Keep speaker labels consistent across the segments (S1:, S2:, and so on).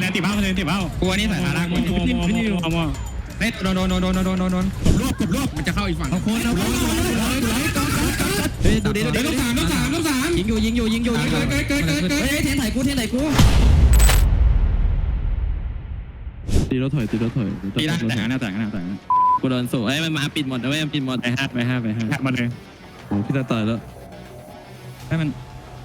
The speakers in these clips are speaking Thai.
S1: นติบ้าติบ้ากูนี่สายตาล่างกูเอามาเฮ้ยโดนกบรวบมันจะเข้าอีกฝั่งเอาคนเฮ้ยดูดิต้องสามยิงอยู่เฮ้ยเทนไถกู
S2: ตีรถถอย
S1: ตีได้แต่ง
S2: กูโดนสูไอ้มันมาปิดหมดนะเว้ยปิดหมด
S1: ไปห้ามาเลย
S2: โอ้พี่ตายแล้ว
S1: ให้มัน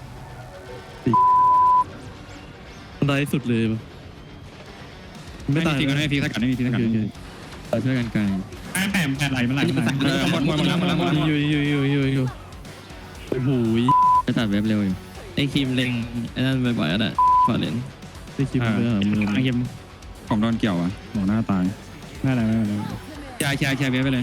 S2: มันได้สุดเลย
S1: ไม่ตายไม่มีทีสักกัดไม่มีทีสักกัด
S2: ช่วยกันไกล
S1: แผ่ไหลมันไหลหมด
S2: อยู่โอ้โหจะตัดเว็บเร็วอยู่ไอ้คิมเล็งไอ้นั่นบ่อยๆอ่ะขอเล่นไอ้คิมไปหามือ
S1: คิมผมโดนเกี่ยวอ่ะหมอหน้าตายไม่อะไรแชร์เว็บไปเลย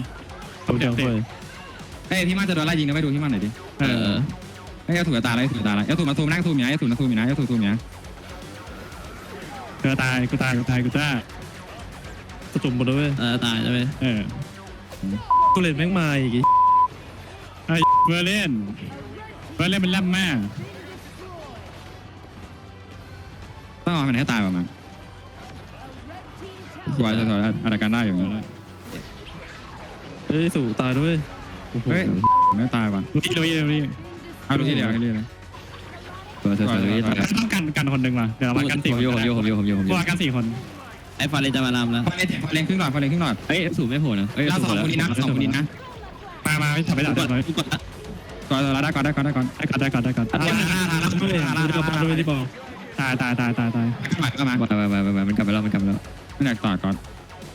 S1: เฮ้ยพี่มันจะโดนไล่ยิงนะไปดูพี่มันหน่อยดิไอ้ยาถูกตาอะไรถูกตาอะไรยาถูกมาซูมนั่งซูมอย่างยาถูกมาซูมอย่างยาถูกซูมอย่างกูตายจ้าก
S2: ระตุ่มหมดเลยตายใช่ไหมกูเล่นแม่งมาอีก
S1: ไอ้เบอร์เล่นมันล่ำมากต้องเอามันให้ตายป่ะมันสวยอะไรกันได้อยู่แล้ว
S2: เฮ้ยสู่ตายด้วย
S1: เฮ้ยไม่ตายป่ะดูที่เดียวเอาดูที่เดียวต้องกันคนหนึ่งมาเดี๋ยวเรากัน4 คนว่ากัน4 คน
S2: ไอ้ฟาเลจะมาลำแล้ว
S1: ฟาเลนครึ่งหลอด
S2: เฮ้ยสู่ไม่โผล่นะ
S1: เรา2 คนนี้นะมาไม่ทำไม่ได้ก่อนได้ตายก็มา
S2: มันกลับไปแล้ว
S1: ไม่อยากต่อก่อน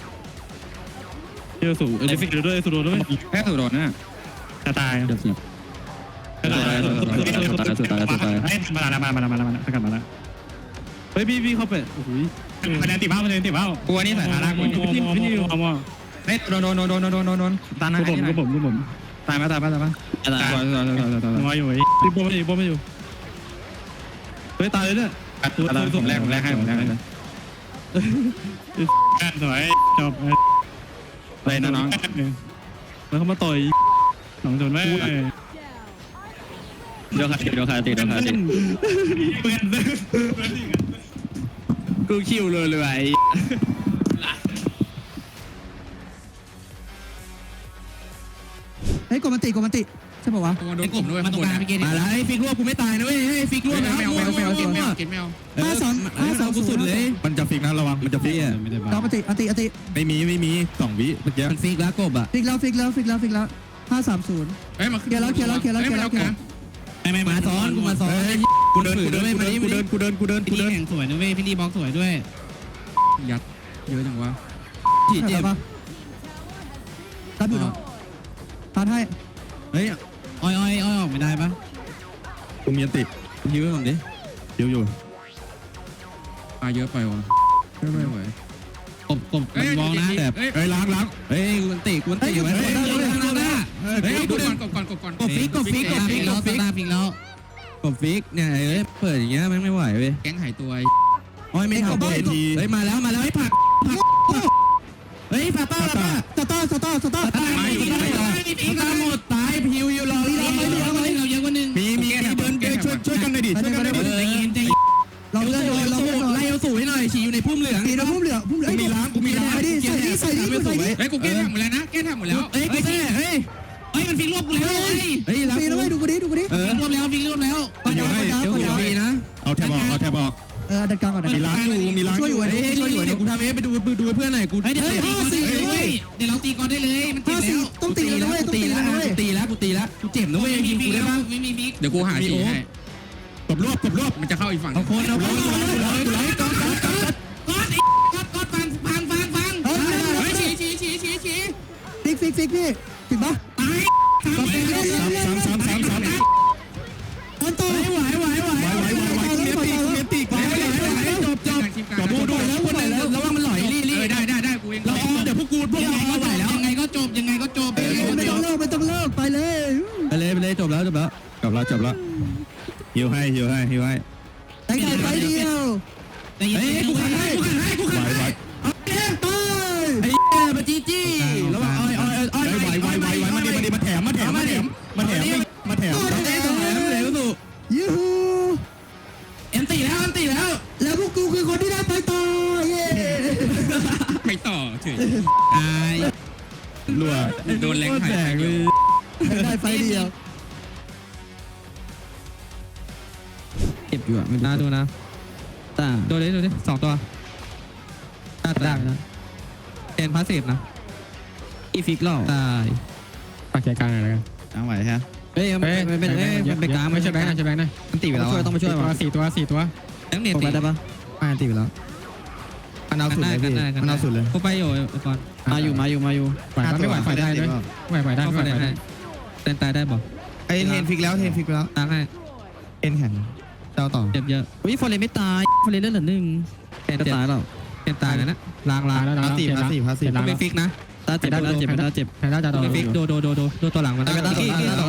S2: เที่ยวสู่ไอ้ฟิกด้วยสู่ด้วย
S1: แค่สู่โดนนะจะตาย
S2: สุด
S1: มาแล้ว
S2: เฮ้ยพี่เข้าไปโอ้โห
S1: คะแนนติบ้ากูนี่สายตาล่างกูเอามาเฮ้ยโดนตาหน้าผมตายมาอยู่
S2: พี่ป้อไม่อยู่เฮ้ยตายเลยเนี่ย
S1: ผมแรกให้สวยจบเลยนะน้อง
S2: แล้วเขามาต่อย
S1: 2 คนไม่
S2: เดี๋ยวขาติกูคิวเลย
S3: เฮ้ยกดมันติใช่ป่าววะ
S1: โดนกบด้วย
S3: มันตรงกลางพี่เกด
S2: มาแล้วไอ้ฟิกรวบกูไม่ตายนะเว้ยให้ฟิกรวบแล้ว
S1: แมว
S3: 5-2
S2: กูสุดเลย
S1: มันจะฟิกนะระวังมันจะฟิกอ่ะ
S3: เราอันติ
S1: ไม่มี2 วิเมื่อกี้
S2: มันฟิกแล้วกบอ่ะ
S3: ฟิกแล้ว5-3-0
S1: เฮ้ยมา
S3: เคลียร์แล้ว
S2: ไม่มาซ้อนกูมาซ้อน
S1: กูเดิน
S2: แข่งสวยนะเว้ยพี่ดีบล็อกสวยด้วย
S1: ยัดเยอะจังวะ
S3: จีเจ็บปะรับอยู่เนาะทานให้
S2: เฮ้ยอ้อยออกไม่ได้ปะ
S1: กูมีติด
S2: ยื้อผมดิ
S1: อยู่มาเยอะไปวะไม่ไหว
S2: กบมันมองนะแต่
S1: เฮ้ยล้าง
S2: เฮ้ยกูตีไว้
S1: เฮ้ยดูก่อน
S2: กบฟิกแล้วกบฟิกเนี่ยเปิดอย่างเงี้ยไม่ไหวเว้ย
S1: แก๊งหายตัว
S2: อ้อยไม่ทำทีเฮ้ยมาแล้วให้ผักเฮ้ยป้า
S3: สตอ
S2: หมดตายพิวอยู่รอเราเยอะกว่านึง
S1: มีเดินช่วยกันหน่อยดิ
S3: เราเลื่อน
S2: ไล่เอาสู่ให้หน่อยฉีอยู่ในพุ่มเหลือง
S1: กูมีล้าง
S3: ใส่ดิ
S1: เฮ้ยกูแก้ทำหมดแล้วนะ
S2: เฮ้ยมันฟิกรวบกูแล้ว
S3: เฮ้ยดูกูดิ
S2: รวบแล้วฟิกรวบแล้ว
S1: เดี๋ยวดีนะเอาแทบออก
S3: ดันกลางก่อน
S1: มีล้าง
S3: ช่วยอยู่
S2: เดี๋ยวกูทำไปดูเพื่อนหน่อยกูเดี๋ยวเราตีก่อนได้เลยมันตีแล้ว
S3: ต้องตีแล้วกูตีแล้ว
S2: กูเจ็บนะเว้ยยิงกูได้ป่ะ
S1: ไม่มีฟิกเดี๋ยวกูหาฉีให้กบรวบมันจะเข้าอีกฝั่ง
S2: เอาคนก่อน
S1: ฟัง
S3: ฟิกพี่ถึงปะ
S1: ตาย
S3: คนโต
S1: ไหวเมียตีจบดูแล้วคนไหนแล้วระวังมันหลอยได้กูเอง
S2: เราเดี๋ยวพวกไหวแล้วยังไงก็จบ
S3: ไม่ต้องเลิกไปเลย
S2: จบแล้ว
S1: ฮิวให้
S3: แต่งไปเดียว
S2: กูขันให้
S3: ไหว
S2: ไอ้มาจี้
S1: แล้วไหวมันดีมาแถม
S3: ยูฮู
S2: เอ็นตีแล้ว
S3: แล้วพวกกูคือคนที่ได้ไปต่อ
S1: ไปต่อเฉยตายรัวโดนแรงไถ่เลย
S3: ได้ไฟเดียว
S2: เก็บอยู่อ่ะ
S3: น่าดูนะตา
S2: ดูดิ2 ตัว
S3: ตาดักนะ
S2: เป็นพาสซีฟนะ
S3: อีฟิกล่อตาย
S2: ฝากแชร์กลางหน่อยแล้วกัน
S1: ตั้งไหวฮะ
S3: เฮ้ยมันเป็นกลางไม่ใช่แบงค์
S2: ใช่แบงค์นะ
S3: มันตีไปแล้วต้องไปช่วย
S2: 4 ตัว
S3: แบงค์เน็ตตีได้ปะไม่ตีไปแล้วมันเอาสุดเลยพี่มันเอาสุดเลย
S2: กูไปอยู่ก่อน
S3: มาอยู่
S2: ไหวไม่ไหวไฟได้ด้วยไหวได้
S3: เข้า
S2: ไหว
S3: ไฟได้
S2: ได้เต้นตายได้บอก
S3: ไอเทนฟิกแล้ว
S2: ตายให้
S3: เทนแข็งเจ้าต่อ
S2: เจ็บเยอะ
S3: อุ้ยฟอร์เรนไม่ตายฟอร์เรนเล่นเหลือ1จะตายหรอ
S2: เป็นตายแล้วนะล้างแล้ว
S3: พาสซีฟ
S2: ไม่ฟิกนะ
S3: ตาเจ็บเจ็บ
S2: แพนด้าจะโดนฟิกดูตัวหลังมัน
S3: ตาย
S2: ตัว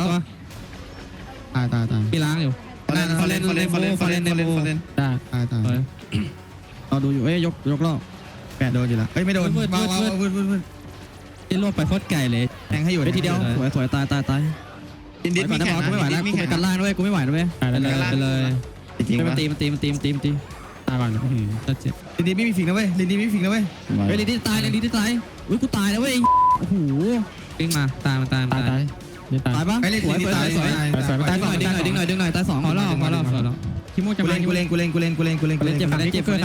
S2: มีล้างอยู่
S1: ฟอเรนได้
S3: ตายเราดูอยู่ยกล่อ8โดนอยู่แล้วไม่โดนวืด
S2: ที่รวบไปโคตรไกลเลย
S3: แทงให้อยู่ทีเดียวสวยตายดินไม่ไหวกูไม่ไหวแล้วกูไปกันล่างด้วยกูไม่ไหวด้วย
S2: ไปเลย
S3: จริงมันตี
S2: ตายก่อนจะเจ็บ
S3: ลินไม่มีฟิกนะเว้ยลินไม่มีฟิกนะเว้ยลินที่ตายอุ้ยกูตายแล้วเว้ยโอ้โห
S2: วิ่งมาตาย
S3: ตายปะสวยตายตายหน่อยดึงหน่อยตาย2
S2: พอรอบแล้วคิโมจะมา
S3: กูเล่นเจ็บ
S2: 3 วิกูเกิด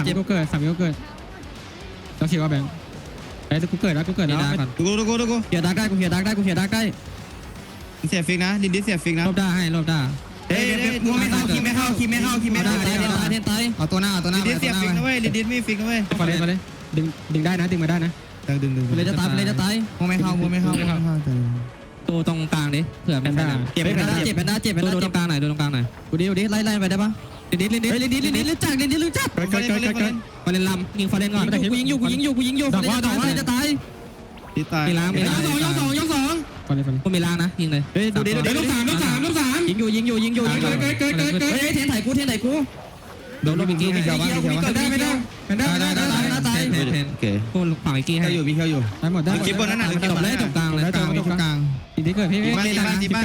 S2: ต้องชิวว่าแบงค์ไอ้กูเกิดแล้ว
S1: ดู
S3: เขียดักได้กูเขียดักได้
S1: เสียฟิกนะดินดิเสียฟิกนะ
S2: รอบได้
S3: เฮ้ยมัวไม่เข้าคิมไม่เข้าเทนตายเอาตัวหน้า
S1: ดินเสียฟิกนะเว้ยดินไม่ฟิกนะเว้ย
S2: มาเลยดึงได้นะดึงมาได้นะ
S3: ดึงเลยจะตายมัวไม่เข้า
S2: ตัวตรงกลางดิเผื่อเป็นเจ็บแพนด้าเจ็บดูตรงกลางหน่อย
S3: กูดิไล่ไปได้ปะลินรู้จัก
S2: ฟอเรนลำยิงฟอเรนก่อน
S3: กูยิงอยู่ดอกว่าจะตาย
S1: ที่ตาย
S2: มีล้าง
S3: ยก
S2: กูมีล้างนะยิงเลย
S3: เฮ้ยดูดิลูก3ยิงอยู่เฮ้ยเทนไถกู
S2: โดนลูกบิกกี้ให้
S3: ได้ไม่ได้ตาย
S2: โอเคกูฝั่งบิกกี้ให้
S3: มีเคียวอยู่
S2: ได้หมดได้
S1: คลิปบนนั้นน่ะ
S2: จบเลยตรงกลางเลย
S3: ตรงกลาง
S2: ทีนี้เกิดพี่มาอยู่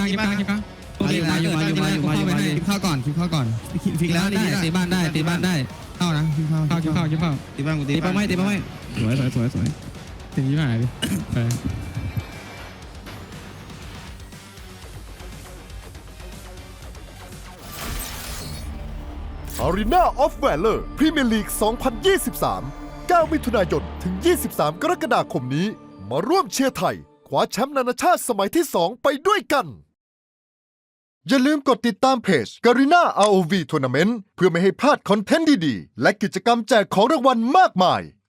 S3: เข้าก่อนฟิกแล้ว
S2: ได้ตีบ้านได้
S3: เข้านะเข้า
S1: ที่บ้านกูตี
S3: ตีไปไม่สวย
S2: ถึงยี่ห้อไหนดิ
S4: Arena of Valor Premier League 2023 9 มิถุนายน ถึง 23 กรกฎาคมนี้ มาร่วมเชียร์ไทยคว้าแชมป์นานาชาติสมัยที่ 2 ไปด้วยกัน อย่าลืมกดติดตามเพจ Garena ROV Tournament เพื่อไม่ให้พลาดคอนเทนต์ดีๆ และกิจกรรมแจกของรางวัลมากมาย